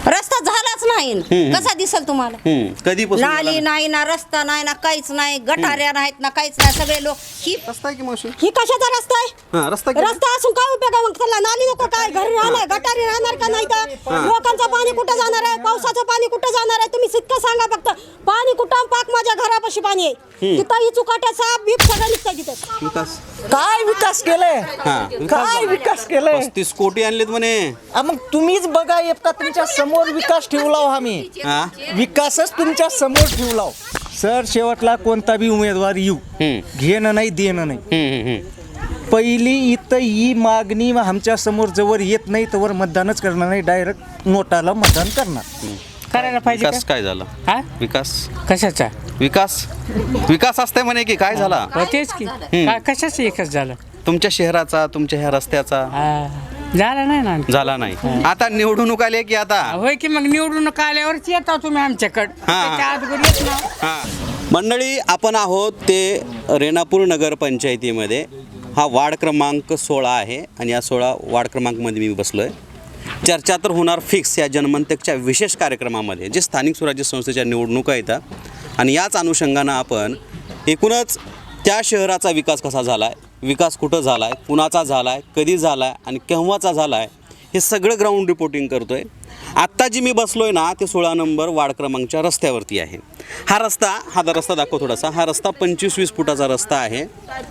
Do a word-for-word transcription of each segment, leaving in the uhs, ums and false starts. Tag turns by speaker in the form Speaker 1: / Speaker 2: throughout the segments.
Speaker 1: रस्ता झालाच नाही कसा दिसल तुम्हाला?
Speaker 2: कधीपासून
Speaker 1: नाली नाही ना रस्ता नाही ना काहीच नाही गटाऱ्या नाहीत ना काहीच नाही सगळे लोक ही
Speaker 2: रस्ता आहे की मावशी?
Speaker 1: ही कशाचा रस्ता आहे?
Speaker 2: हा रस्ता किती?
Speaker 1: रस्ता असून काय उपयोग आहे? मग त्याला नाली नको काय घरी राहणार गटारी राहणार का नाही तर लोकांचं पाणी कुठं जाणार आहे? पावसाचं पाणी कुठं जाणार आहे? तुम्ही इतकं सांगा फक्त पाणी कुठं पाक माझ्या घरापाशी पाणी आहे तिथं ही चुकाट्या साप बीप सगळं निघतं तिथं.
Speaker 2: विकास
Speaker 3: काय विकास केलाय?
Speaker 2: हा
Speaker 3: काय विकास केलाय?
Speaker 2: पस्तीस कोटी आणलेत म्हणे.
Speaker 3: आ, मग तुम्हीच बघा एकदा तुमच्या समोर विकास ठेवला आम्ही
Speaker 2: हा
Speaker 3: विकासच तुमच्या समोर ठेवला सर. शेवटला कोणता बी उमेदवार येऊ घेणं नाही देणं नाही.
Speaker 2: हम्म, हम्म.
Speaker 3: पहिली इथं ही मागणी आमच्या समोर जवळ येत नाही तवर मतदानच करणार नाही. डायरेक्ट नोटाला मतदान करणार.
Speaker 4: करायला पाहिजे
Speaker 2: विकास
Speaker 4: का?
Speaker 2: काय झाला?
Speaker 4: हा
Speaker 2: विकास
Speaker 4: कशाचा?
Speaker 2: विकास विकास असते म्हणे की काय झाला
Speaker 4: हो, तेच की का कशाचं एकच झालं?
Speaker 2: तुमच्या शहराचा तुमच्या ह्या रस्त्याचा
Speaker 4: हा, झालं नाही ना.
Speaker 2: झाला नाही. आता निवडणूक आली की आता
Speaker 4: होय की मग निवडणूक आल्यावरच येता तुम्ही आमच्याकडं.
Speaker 2: हा.
Speaker 4: त्याच्या अगोदर येत ना.
Speaker 2: हा. मंडळी आपण आहोत ते रेणापूर नगरपंचायतीमध्ये. हा वार्ड क्रमांक सोळा आहे आणि या सोळा वार्ड क्रमांकमध्ये मी बसलो आहे. चर्चा तर होणार फिक्स या जनमंतकच्या विशेष कार्यक्रमामध्ये जे स्थानिक स्वराज्य संस्थेच्या निवडणुका येतात आणि याच अनुषंगानं आपण एकूणच त्या शहराचा विकास कसा झाला आहे, विकास कुठं झाला आहे, कुणाचा झाला आहे, कधी झाला आहे आणि केव्हाचा झाला आहे हे सगळं ग्राउंड रिपोर्टिंग करतो आहे. आत्ता जी मी बसलो आहे ना ते सोळा नंबर वार्ड क्रमांकच्या रस्त्यावरती आहे. हा रस्ता हा रस्ता दाखव थोडासा. हा रस्ता पंचवीस वीस फुटाचा रस्ता आहे.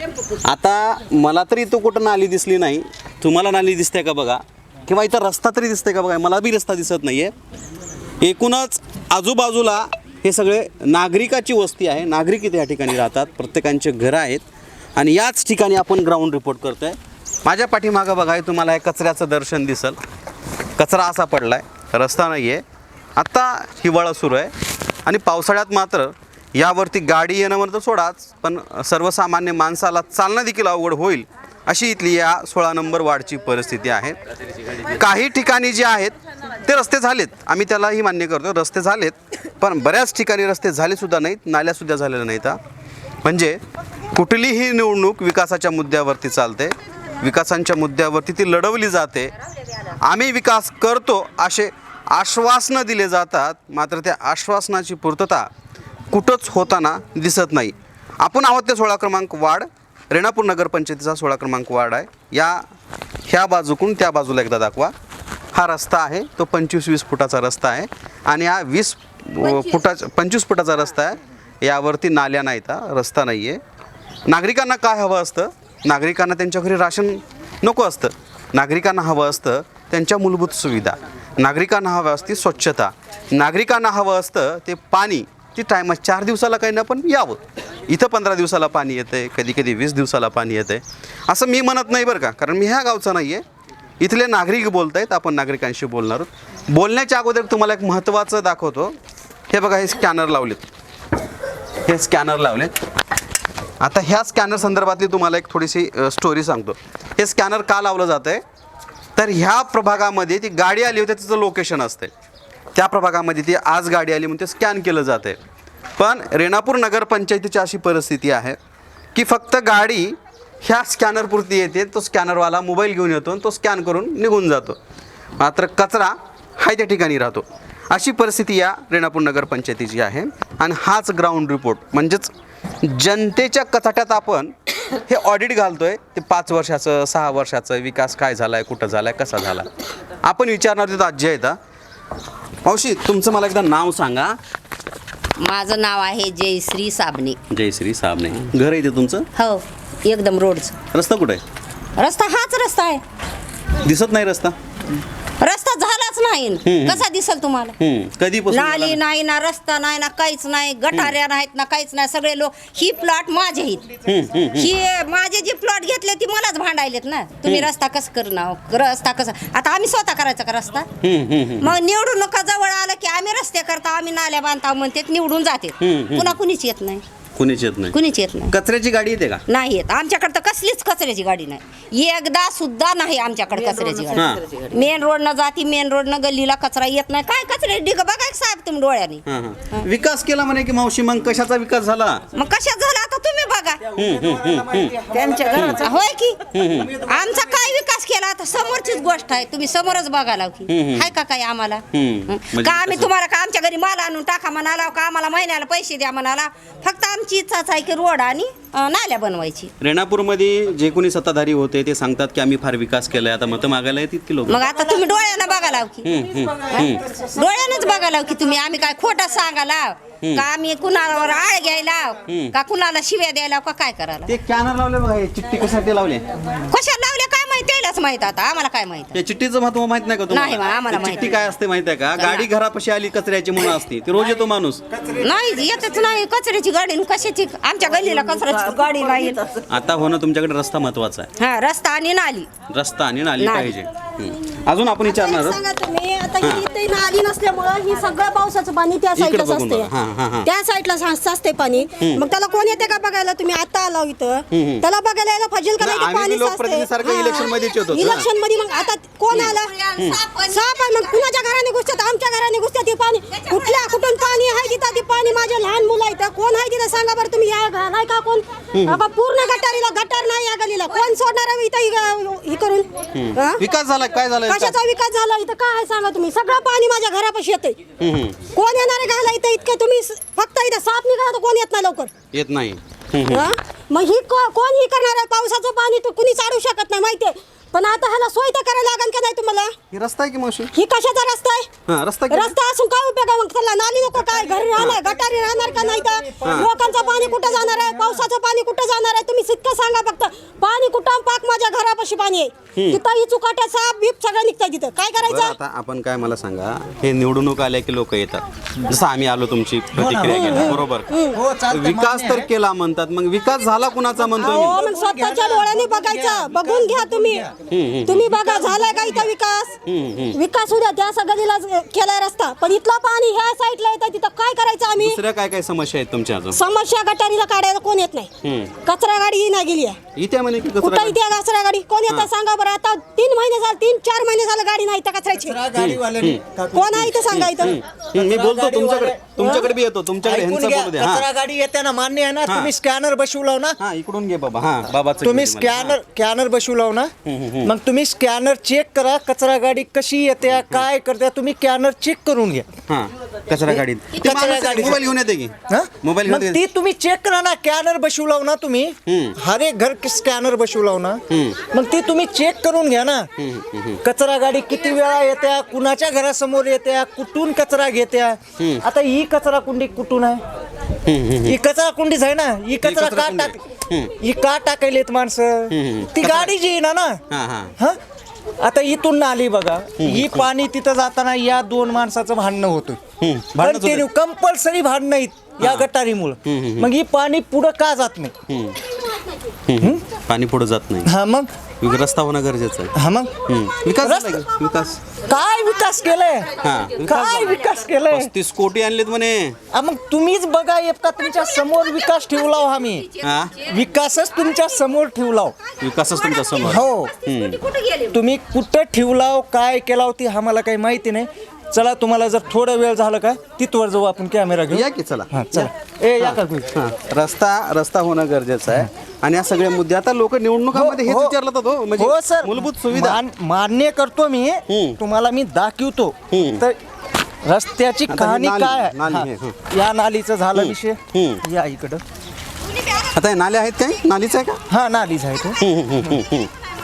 Speaker 2: आता मला तरी इथं कुठं नाली दिसली नाही. तुम्हाला नाली दिसते का बघा किंवा इथं रस्ता तरी दिसते का बघा. मला बी रस्ता दिसत नाही आहे. एकूणच आजूबाजूला हे सगळे नागरिकाची वस्ती आहे. नागरिक इथे या ठिकाणी राहतात. प्रत्येकांचे घरं आहेत आणि याच ठिकाणी आपण ग्राउंड रिपोर्ट करतो आहे. माझ्या पाठीमागं बघा हे तुम्हाला हे कचऱ्याचं दर्शन दिसल. कचरा असा पडला आहे, रस्ता नाही आहे. आत्ता हिवाळा सुरू आहे आणि पावसाळ्यात मात्र यावरती गाडी येणं म्हणतं सोडाच पण सर्वसामान्य माणसाला चालणं देखील अवघड होईल अशी इथली या सोळा नंबर वार्डची परिस्थिती आहे. काही ठिकाणी जे आहेत ते रस्ते झालेत, आम्ही त्यालाही मान्य करतो रस्ते झालेत, पण बऱ्याच ठिकाणी रस्ते झालेसुद्धा नाहीत, नाल्यासुद्धा झालेल्या नाहीत. म्हणजे कुठलीही निवडणूक विकासाच्या मुद्द्यावरती चालते, विकासांच्या मुद्द्यावरती ती लढवली जाते. आम्ही विकास करतो असे आश्वासनं दिले जातात, मात्र त्या आश्वासनाची पूर्तता कुठंच होताना दिसत नाही. आपण आहोत ते सोळा क्रमांक वार्ड, रेणापूर नगरपंचायतीचा सोळा क्रमांक वार्ड आहे. या ह्या बाजूकडून त्या बाजूला एकदा दाखवा. हा रस्ता आहे तो पंचवीस वीस फुटाचा रस्ता आहे आणि हा वीस फुटाचा पंचवीस फुटाचा रस्ता आहे. यावरती नाल्या नाहीत, रस्ता नाही आहे. नागरिकांना काय हवं असतं? नागरिकांना त्यांच्या घरी राशन नको असतं. नागरिकांना हवं असतं त्यांच्या मूलभूत सुविधा. नागरिकांना हवं असते स्वच्छता. नागरिकांना हवं असतं ते पाणी. ती टायमा चार दिवसाला काही ना पण यावं. इथं पंधरा दिवसाला पाणी येतं आहे, कधी कधी वीस दिवसाला पाणी येतं आहे. असं मी म्हणत नाही बरं का, कारण मी ह्या गावचा नाही आहे. इथले नागरिक बोलत आहेत, आपण नागरिकांशी बोलणार आहोत. बोलण्याच्या अगोदर तुम्हाला एक महत्त्वाचं दाखवतो. हे बघा हे स्कॅनर लावलेत, हे स्कॅनर लावलेत. आता ह्या स्कॅनर संदर्भातली तुम्हाला एक थोडीशी स्टोरी सांगतो. हे स्कॅनर का लावलं जातं आहे तर ह्या प्रभागामध्ये ती गाडी आली होती तिचं लोकेशन असते. त्या प्रभागामध्ये ती आज गाडी आली म्हणून ते स्कॅन केलं जातं आहे. पण रेणापूर नगरपंचायतीची अशी परिस्थिती आहे की फक्त गाडी ह्या स्कॅनरपुरती येते. तो स्कॅनरवाला मोबाईल घेऊन येतो आणि तो स्कॅन करून निघून जातो, मात्र कचरा हा त्या ठिकाणी राहतो. अशी परिस्थिती या रेणापूर नगरपंचायतीची आहे. आणि हाच ग्राउंड रिपोर्ट म्हणजेच जनतेच्या कचाट्यात आपण हे ऑडिट घालतो आहे. ते पाच वर्षाचं सहा वर्षाचं विकास काय झाला आहे, कुठं झाला आहे, कसा झाला. आपण विचारणार तिथं आजी आहेत. मावशी तुमचं मला एकदा नाव सांगा.
Speaker 1: माझं नाव आहे जयश्री साबणे.
Speaker 2: जयश्री साबणे. घर आहे ते तुमचं?
Speaker 1: हो एकदम रोडचं.
Speaker 2: रस्ता कुठं आहे?
Speaker 1: रस्ता हाच रस्ता आहे.
Speaker 2: दिसत नाही रस्ता.
Speaker 1: रस्ता झालाच नाही कसा दिसल तुम्हाला?
Speaker 2: कधीपासून
Speaker 1: नाली नाही ना रस्ता नाही ना काहीच नाही गटाऱ्या नाहीत ना काहीच नाही. सगळे लोक ही प्लॉट माझे आहेत. ही माझे जे प्लॉट घेतले ती मलाच भांडायलेत ना. तुम्ही रस्ता कसं करणार, रस्ता कसा. आता आम्ही स्वतः करायचा का रस्ता? मग निवडून नका जवळ आलं की आम्ही रस्ते करता, आम्ही नाल्या बांधता म्हणते, निवडून जाते. पुन्हा कुणीच येत नाही.
Speaker 2: कुणीच येत नाही.
Speaker 1: कुणीच येत नाही.
Speaker 2: कचऱ्याची गाडी येते का?
Speaker 1: नाही येत आमच्याकडे तर कसलीच कचऱ्याची गाडी नाही. एकदा सुद्धा नाही आमच्याकडे कचऱ्याची गाडी. मेन रोडनं जाती, मेन रोडनं गल्लीला कचरा येत नाही. काय कचरे डिग बघा साहेब तुम्ही डोळ्याने.
Speaker 2: विकास केला म्हणे की मावशी, मग कशाचा विकास झाला?
Speaker 1: मग कशात झाला आता तुम्ही बघा. त्यांच्या घराचा होय की आमचा काय विकास केला तर समोरचीच गोष्ट आहे तुम्ही समोरच बघायला की
Speaker 2: हम्म.
Speaker 1: हाय का काय आम्हाला
Speaker 2: हम्म.
Speaker 1: हं?
Speaker 2: म्हणजे
Speaker 1: का आम्ही
Speaker 2: कसं?
Speaker 1: तुम्हाला का आमच्या घरी माल आणून टाका म्हणाला का आम्हाला महिन्याला पैसे द्या म्हणाला फक्त आमची इच्छाच आहे की रोड आणि अं, नाल्या बनवायची.
Speaker 2: रेणापूरमध्ये जे कोणी सत्ताधारी होते ते सांगतात की आम्ही फार विकास केलाय, आता मतं मागायला येतात की लोक.
Speaker 1: मग आता तुम्ही डोळ्यानं बघायला की हं? डोळ्यानंच बघायला की तुम्ही आम्ही काय खोटं सांगायला का आम्ही कुणावर आळ घ्यायला का कुणाला शिव्या द्यायला का काय करायला
Speaker 2: ते कॅनर लावले बघा, हे चिठ्ठी कशासाठी लावले?
Speaker 1: कशाला लावले काय माहिती त्यालाच माहित आता आम्हाला काय माहित
Speaker 2: या चिठ्ठीचं महत्व माहित नाही का
Speaker 1: नाही बा, आम्हाला
Speaker 2: ते
Speaker 1: माहित
Speaker 2: चिठ्ठी
Speaker 1: नाही.
Speaker 2: काय असते माहिती आहे का? गाडी घरापाशी आली कचऱ्याची म्हणून असते, ती रोज येतो माणूस.
Speaker 1: नाही येतच नाही कचऱ्याची गाडी न कशाची आमच्या गल्लीला कचऱ्याची गाडी नाही येत.
Speaker 2: आता होणं तुमच्याकडे रस्ता महत्वाचा आहे,
Speaker 1: हा रस्ता आणि नाली
Speaker 2: रस्ता आणि नाली
Speaker 1: नाली.
Speaker 2: पाहिजे. हं. अजून आपण विचारणार आहोत.
Speaker 5: सांगा तुम्ही आता ही इथे नाली नसल्यामुळं ही सगळं पावसाचं पाणी त्या
Speaker 2: इकडे
Speaker 5: साईडलाच
Speaker 2: बघून
Speaker 5: असते
Speaker 2: बघा. हां, हां, हां.
Speaker 5: त्या साईडला असते पाणी मग त्याला कोण येते का बघायला तुम्ही आता आला इथं त्याला बघायला यायला पाहिजे का
Speaker 2: नाही,
Speaker 5: नाही ते
Speaker 2: आम्ही
Speaker 5: पाणी
Speaker 2: लोकप्रतिनिधीसारखं election मध्येच येत होतो.
Speaker 5: इलेक्शन मध्ये मग आता कोण आला साप आहे मग कुणाच्या घराने घुसतात आमच्या घराने घुसतात ते पाणी कुठल्या कुठून पाणी आहे तिथं ते पाणी माझ्या लहान मुलं आहेत कोण आहे तिथं सांगा बरं तुम्ही या नाही का कोण बाबा पूर्ण गटारीला गटार नाही या गलीला कोण सोडणार आहे इथं हि- हे करून हा?
Speaker 2: विकास झाला काय झाला विकास?
Speaker 5: कशाचा विकास झाला इथं काय आहे सांगा तुम्ही सगळं पाणी माझ्या घरापाशी येते
Speaker 2: हं, हं.
Speaker 5: कोण येणार आहे घाला इथं इतकं तुम्ही स- फक्त इथं साप निघाला तर कोण येत नाही लवकर
Speaker 2: येत नाही. हं, हं.
Speaker 5: हा? मग ही को- कोण ही करणार आहे पावसाचं पाणी तर कुणी चाडू शकत नाही माहितीये पण आता ह्याला सोय तर करायला लागेल का नाही तुम्हाला
Speaker 2: हे रस्ता आहे की मावशी?
Speaker 5: ही कशाचा रस्ता आहे
Speaker 2: हा रस्ता किती?
Speaker 5: रस्ता असून काय उपयोग आहे मग त्याला नाली नको काय घरी राहणार गटारी राहणार का नाही तर लोकांचं पाणी कुठं जाणार आहे पावसाचं पाणी कुठं जाणार आहे तुम्ही सिक्क सांगा फक्त पाणी कुठं पाक माझ्या घरापाशी पाणी आहे तिथं ही चुकाट्या साप बीप सगळं निघतंय तिथं काय
Speaker 2: बरं,
Speaker 5: करायचं
Speaker 2: आता आपण काय मला सांगा, हे निवडणूक आल्या की लोक येतात, जसं आम्ही आलो तुमची प्रतिक्रिया केली बरोबर.
Speaker 3: हो, चालतंय,
Speaker 2: विकास
Speaker 3: मान्य
Speaker 2: तर केला म्हणतात, मग विकास झाला कुणाचा म्हणतो
Speaker 5: हो
Speaker 2: मी?
Speaker 5: मग स्वतःच्या डोळ्याने बघायचं बघून घ्या तुम्ही तुम्ही बघा झालाय का इथं विकास विकास होऊ द्या त्या सगळीला केलाय रस्ता पण इथलं पाणी ह्या साईडला येतं तिथं काय करायचं आम्ही
Speaker 2: दुसऱ्या काय काय समस्या आहेत तुमच्या अजून?
Speaker 5: समस्या गटारीला काढायला कोण येत नाही
Speaker 2: हम्म.
Speaker 5: कचरा गाडी नाही गेली आहे
Speaker 2: इथे म्हणे की कचरा
Speaker 5: कुठं इथे कचरा गाडी कोण येतं सांगा बरं आता तीन महिने झाले तीन चार महिने झाले गाडी नाही इथं कचऱ्याची
Speaker 3: गाडीवाल्यांनी
Speaker 5: कोण आहे इथं सांगा इथं
Speaker 2: हं, मी बोलतो तुमच्याकडे तुमच्याकडे बी येतो तुमच्याकडे
Speaker 3: ऐकून
Speaker 2: ह्यांचं
Speaker 3: घ्या,
Speaker 2: बोलू द्या.
Speaker 3: कचरा
Speaker 2: हा
Speaker 3: गाडी येते ना मान्य आहे ना
Speaker 2: हा.
Speaker 3: तुम्ही स्कॅनर बसवलाव ना
Speaker 2: हा इकडून घे बाबा. हा बाबाचं
Speaker 3: तुम्ही
Speaker 2: घेऊ दे मला.
Speaker 3: स्कॅनर स्कॅनर बसवलाव ना मग तुम्ही स्कॅनर चेक करा कचरा गाडी कशी येते काय करते तुम्ही स्कॅनर चेक करून घ्या
Speaker 2: हा कचरा गाडीत ते
Speaker 3: कचरा
Speaker 2: माणूस
Speaker 3: गाडीत.
Speaker 2: मोबाईल घेऊन येते की
Speaker 3: हा?
Speaker 2: मोबाईल
Speaker 3: मग
Speaker 2: घेऊन
Speaker 3: ती
Speaker 2: येते.
Speaker 3: तुम्ही चेक करा ना स्कॅनर बसवलाव ना तुम्ही
Speaker 2: हम्म.
Speaker 3: हर एक घर स्कॅनर बसवलाव ना मग ती तुम्ही चेक करून घ्या ना कचरा गाडी किती वेळा येत्या कुणाच्या घरासमोर येत्या कुठून कचरा घेत्या आता ही कचरा कुंडी कुठून आहे ही कचरा कुंडीच आहे ना ही कचरा
Speaker 2: कचरा
Speaker 3: का
Speaker 2: कुंडी.
Speaker 3: टाक ही का टाकायलेत माणसं ती गाडी जी आहे ना ना
Speaker 2: हा हा
Speaker 3: हा आता इथून नाली बघा ही पाणी तिथं जाताना या दोन माणसाचं भांडणं होतं
Speaker 2: भांडणच होते.
Speaker 3: कंटिन्यू कंपल्सरी भांडणं आहेत या गटारीमुळं मग ही पाणी पुढं का जात नाही
Speaker 2: हम्म. पाणी पुढे जात नाही.
Speaker 3: हा मग
Speaker 2: विक- रस्ता होणं गरजेचं आहे.
Speaker 3: हा मग
Speaker 2: हम्म. विकास झाला
Speaker 3: रस्ता-
Speaker 2: की? विकास
Speaker 3: काय विकास केलाय
Speaker 2: हा विकास
Speaker 3: काय
Speaker 2: झाला.
Speaker 3: विकास केलाय
Speaker 2: पस्तीस कोटी आणलेत म्हणे.
Speaker 3: हा, मग तुम्हीच बघा एकदा तुमच्या समोर विकास ठेवला हो आम्ही
Speaker 2: हा
Speaker 3: विकासच तुमच्या समोर ठेवला हो.
Speaker 2: विकासच तुमच्या समोर.
Speaker 3: हो
Speaker 1: कुठे गेले
Speaker 3: तुम्ही कुठं ठेवलाव काय केलाव ती आम्हाला काही माहिती नाही चला तुम्हाला जर थोडा वेळ झाला का तिथवर जाऊ आपण कॅमेरा घेऊ
Speaker 2: या की चला.
Speaker 3: हा चला ए या का तुम्ही?
Speaker 2: हा. रस्ता रस्ता होणं गरजेचं आहे आणि या सगळ्या मुद्दे आता लोक निवडणुकामध्ये हेच
Speaker 3: हो, हो.
Speaker 2: विचारलं जातात हो म्हणजे
Speaker 3: हो सर
Speaker 2: मूलभूत सुविधा.
Speaker 3: मान- मान्य करतो मी
Speaker 2: हम्म.
Speaker 3: तुम्हाला मी दाखवतो
Speaker 2: हम्म.
Speaker 3: तर रस्त्याची
Speaker 2: आता ही
Speaker 3: कहाणी
Speaker 2: नाली-
Speaker 3: काय आहे?
Speaker 2: नाली
Speaker 3: हा.
Speaker 2: आहे, हं.
Speaker 3: या नालीचं झालं विषय
Speaker 2: हम्म.
Speaker 3: या इकडं
Speaker 2: आता हे नाले आहेत काय नालीच आहे का?
Speaker 3: हा नालीच आहे ते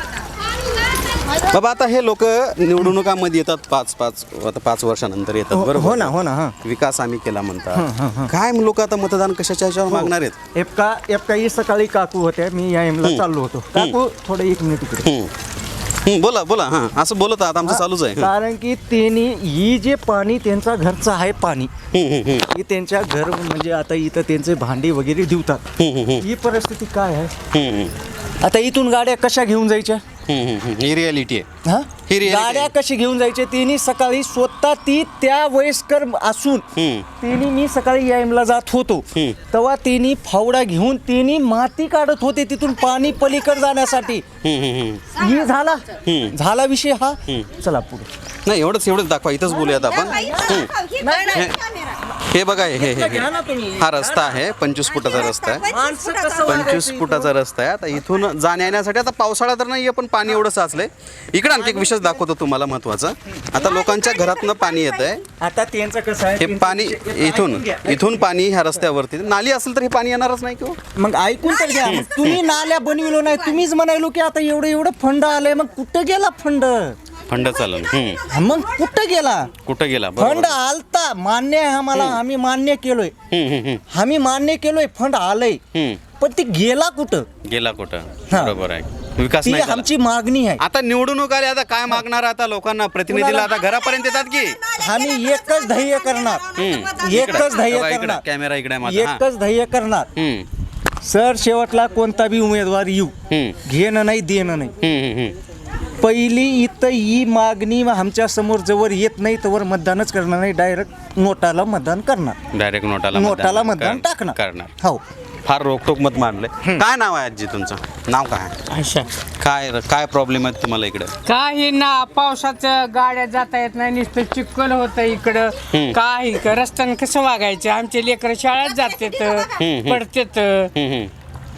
Speaker 2: बाबा आता हे लोक निवडणुकामध्ये येतात पाच पाच आता पाच वर्षानंतर येतात बरोबर.
Speaker 3: हो ना हो ना हा
Speaker 2: विकास आम्ही केला म्हणतात काय लोक आता मतदान कशाच्या ह्याच्यावर मागणार आहेत?
Speaker 3: एपका एपकाही सकाळी काकू होत्या मी या एमला चाललो होतो काकू थोडं एक मिनिट इकडे
Speaker 2: हम्म. हम्म, बोला बोला हा असं बोलत आहात आमचं चालूच आहे.
Speaker 3: कारण की त्यांनी ही जे पाणी त्यांचा घरचं आहे पाणी ही त्यांच्या घर म्हणजे आता इथं त्यांचे भांडी वगैरे धुतात ही परिस्थिती काय आहे
Speaker 2: हम्म,
Speaker 3: आता इथून गाड्या कशा घेऊन जायच्या
Speaker 2: हम्म, हम्म, हम्म. ही रियालिटी आहे.
Speaker 3: हा
Speaker 2: ही reality
Speaker 3: गाड्या
Speaker 2: आहे.
Speaker 3: कशी घेऊन जायचे तिने सकाळी स्वतः ती त्या वयस्कर असून
Speaker 2: हम्म.
Speaker 3: तिने मी सकाळी यायमला जात होतो
Speaker 2: हम्म.
Speaker 3: तेव्हा तिने फावडा घेऊन तिने माती काढत होते तिथून पाणी पलीकडे जाण्यासाठी
Speaker 2: हम्म, हम्म, हम्म.
Speaker 3: ही झाला झाला विषय हा चला पुढे
Speaker 2: नाही एवढंच एवढंच दाखवा इथंच बोलूयात आपण. हम्म.
Speaker 1: ही बघ ना, कॅमेरा.
Speaker 2: हे बघा हे हे हे
Speaker 3: घ्या ना तुम्ही.
Speaker 2: हा रस्ता आहे, पंचवीस फुटाचा रस्ता आहे.
Speaker 3: माणसं कसं
Speaker 2: पंचवीस फुटाचा रस्ता आहे. आता इथून जाण्या येण्यासाठी आता पावसाळा तर नाही पण पाणी एवढं साचलंय. इकडे आणखी एक विशेष दाखवतो तुम्हाला महत्वाचं. आता लोकांच्या घरातनं पाणी येत आहे.
Speaker 3: आता त्यांचं कसं आहे
Speaker 2: हे पाणी इथून इथून पाणी ह्या रस्त्यावरती नाली असेल तर हे पाणी येणारच नाही किंवा
Speaker 3: मग ऐकून तर घ्या. मग तुम्ही नाल्या बनविलो नाही, तुम्हीच म्हणायलो की आता एवढं एवढं फंड आलंय, मग कुठं गेला फंड?
Speaker 2: फंड चालन. हम्म.
Speaker 3: मग कुठं गेला
Speaker 2: कुठं गेला?
Speaker 3: फंड?
Speaker 2: बरोबर.
Speaker 3: आलता, मान्य आहे आम्हाला, आम्ही मान्य केलोय,
Speaker 2: हम्म, हम्म, हम्म,
Speaker 3: आम्ही मान्य केलोय फंड आलंय,
Speaker 2: हम्म.
Speaker 3: पण ते गेला कुठं?
Speaker 2: गेला कुठं?
Speaker 3: हा.
Speaker 2: बरोबर आहे. विकास
Speaker 3: ती
Speaker 2: नाही झाला.
Speaker 3: आमची मागणी आहे.
Speaker 2: आता निवडणूक आली, आता काय मागणार आता लोकांना? प्रतिनिधीला आता घरापर्यंत येतात की
Speaker 3: आम्ही एकच ध्येय करणार, एकच ध्येय
Speaker 2: बघा इकडं,
Speaker 3: करणार,
Speaker 2: कॅमेरा इकडे आहे माझा. हा.
Speaker 3: एकच ध्येय करणार.
Speaker 2: हम्म,
Speaker 3: सर शेवटला कोणता बी उमेदवार येऊ,
Speaker 2: हम्म,
Speaker 3: घेणं नाही देणं नाही.
Speaker 2: हम्म, हम्म, हम्म.
Speaker 3: पहिली इथं ही मागणी आमच्या समोर जवळ येत नाही तवर मतदानच करणार नाही, डायरेक्ट नोटाला मतदान करणार,
Speaker 2: डायरेक्ट नोटाला
Speaker 3: नोटाला मतदान
Speaker 2: कर-
Speaker 3: टाकणार.
Speaker 2: करणार.
Speaker 3: हो.
Speaker 2: फार रोकटोक मत मांडले. काय नाव आहे आजी तुमचं? नाव काय?
Speaker 4: अच्छा
Speaker 2: काय काय प्रॉब्लेम आहे तुम्हाला इकडे?
Speaker 4: काही ना पावसाचं गाड्या जाता येत नाही, नुसतं चिखल होतं इकडं. काही रस्त्यानं कसं वागायचं? आमचे लेकरं शाळेत जातात, पडतात.
Speaker 2: हम्म, हम्म.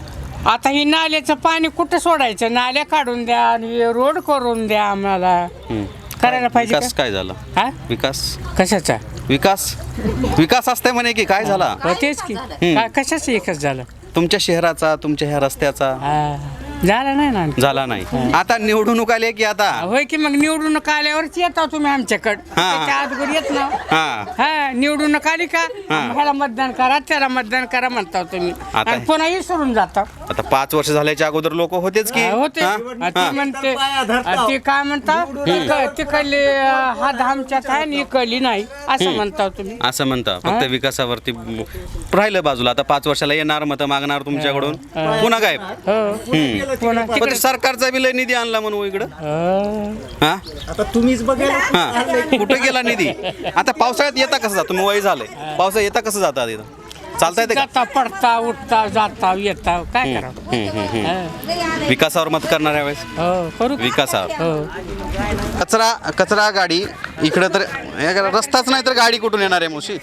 Speaker 4: आता ही नाल्याचं पाणी कुठं सोडायचं? नाल्या काढून द्या आणि रोड करून द्या आम्हाला.
Speaker 2: हम्म.
Speaker 4: करायला पाहिजे
Speaker 2: विकास
Speaker 4: का?
Speaker 2: काय झाला?
Speaker 4: हा
Speaker 2: विकास
Speaker 4: कशाचा?
Speaker 2: विकास विकास असते म्हणे की काय झाला
Speaker 4: हो, तेच की काय कशाचं एकच झालं?
Speaker 2: तुमच्या शहराचा, तुमच्या ह्या रस्त्याचा?
Speaker 4: हा, झालं नाही ना आणखी.
Speaker 2: झाला नाही. आता निवडणूक आली की आता
Speaker 4: होय की मग निवडणूक आल्यावरच येता तुम्ही आमच्याकडे.
Speaker 2: हा.
Speaker 4: त्याच्या अगोदर येत ना.
Speaker 2: हा
Speaker 4: हा निवडणूक आली का
Speaker 2: हा.
Speaker 4: ह्याला मतदान करा, त्याला मतदान करा म्हणता तुम्ही,
Speaker 2: आता-
Speaker 4: आणि पुन्हा विसरून जाता.
Speaker 2: आता पाच वर्ष झाल्याच्या अगोदर लोक होतेच की
Speaker 4: हा, होते.
Speaker 2: हा?
Speaker 4: हा, ते
Speaker 2: हा.
Speaker 4: म्हणते हा, ते काय म्हणता तिकडली हा धामच्यात आहे आणि इकडली नाही असं म्हणता तुम्ही.
Speaker 2: असं म्हणता फक्त विकासावरती राहिलं बाजूला. आता पाच वर्षाला येणार मत मागणार तुमच्याकडून पुन्हा काय?
Speaker 4: हो पुन्हा
Speaker 2: पण
Speaker 4: तिकडे
Speaker 2: सरकारचा बी लय निधी आणला म्हणून इकडं.
Speaker 4: हो.
Speaker 2: हा
Speaker 3: आता तुम्हीच बघा.
Speaker 2: हा कुठे गेला निधी? आता पावसाळ्यात येता कसं जातो? तुम्ही वय झालंय, पावसाळ्यात येता कसं जाता तिथं? चालता येते का?
Speaker 4: जाता पडता उठता जाता येता काय करावं?
Speaker 2: हम्म, हम्म, हम्म.
Speaker 4: हा.
Speaker 2: विकासावर मत करणार यावेळेस?
Speaker 4: हो करू का?
Speaker 2: विकासावर.
Speaker 4: हो
Speaker 2: कचरा कचरा गाडी इकडं तर हे करा, रस्ताच नाही तर गाडी कुठून येणार आहे मुशी?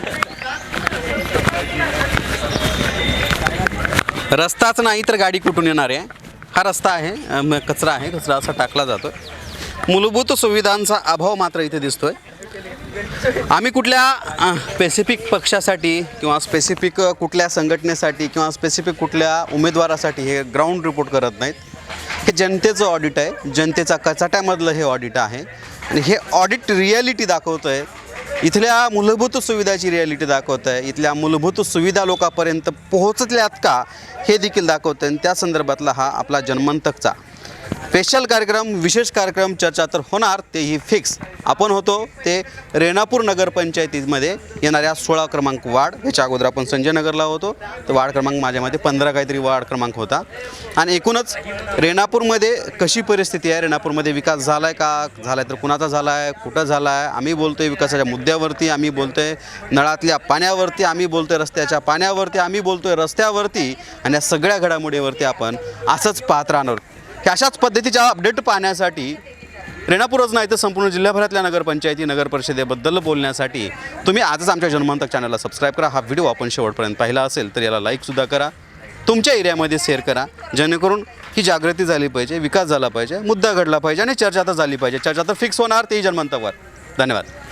Speaker 2: रस्ताच नाही तर गाडी कुठून येणार आहे? हा रस्ता आहे, अम, कचरा आहे, कचरा असा टाकला जातो. मूलभूत सुविधांचा अभाव मात्र इथे दिसतोय. आम्ही कुठल्या स्पेसिफिक पक्षासाठी किंवा स्पेसिफिक कुठल्या संघटनेसाठी किंवा स्पेसिफिक कुठल्या उमेदवारासाठी हे ग्राउंड रिपोर्ट करत नाहीत. हे जनतेचं ऑडिट आहे, जनतेचा कचाट्यामधलं हे ऑडिट आहे आणि हे ऑडिट रिॲलिटी दाखवतं आहे. इथल्या मूलभूत सुविधाची रिॲलिटी दाखवत आहे. इथल्या मूलभूत सुविधा लोकांपर्यंत पोहोचल्यात का हे देखील दाखवतं आहे. आणि त्या संदर्भातला हा आपला जनमंतकचा स्पेशल कार्यक्रम, विशेष कार्यक्रम, चर्चा तर होणार, तेही फिक्स. आपण होतो ते रेणापूर नगरपंचायतीमध्ये येणाऱ्या सोळा क्रमांक वार्ड. ह्याच्या अगोदर आपण संजय नगरला होतो, तर वार्ड क्रमांक माझ्यामध्ये पंधरा काहीतरी वार्ड क्रमांक होता. आणि एकूणच रेणापूरमध्ये कशी परिस्थिती आहे, रेणापूरमध्ये विकास झाला आहे का, झाला आहे तर कुणाचा झाला आहे, कुठं झाला आहे? आम्ही बोलतो आहे विकासाच्या मुद्द्यावरती, आम्ही बोलतो आहे नळातल्या पाण्यावरती, आम्ही बोलतो आहे रस्त्याच्या पाण्यावरती, आम्ही बोलतो आहे रस्त्यावरती, आणि या सगळ्या घडामोडीवरती आपण असंच पाहत राहणार. ह्या अशाच पद्धतीच्या अपडेट पाहण्यासाठी रेणापूरच नाही तर संपूर्ण जिल्ह्याभरातल्या नगरपंचायती, नगरपरिषदेबद्दल बोलण्यासाठी तुम्ही आजच आमच्या जनमंतक चॅनलला सबस्क्राईब करा. हा व्हिडिओ आपण शेवटपर्यंत पाहिला असेल तर याला लाईकसुद्धा करा, तुमच्या एरियामध्ये शेअर करा, जेणेकरून ही जागृती झाली पाहिजे, विकास झाला पाहिजे, मुद्दा घडला पाहिजे आणि चर्चा तर झाली पाहिजे. चर्चा तर फिक्स होणार, तेही जनमंतकवर. धन्यवाद.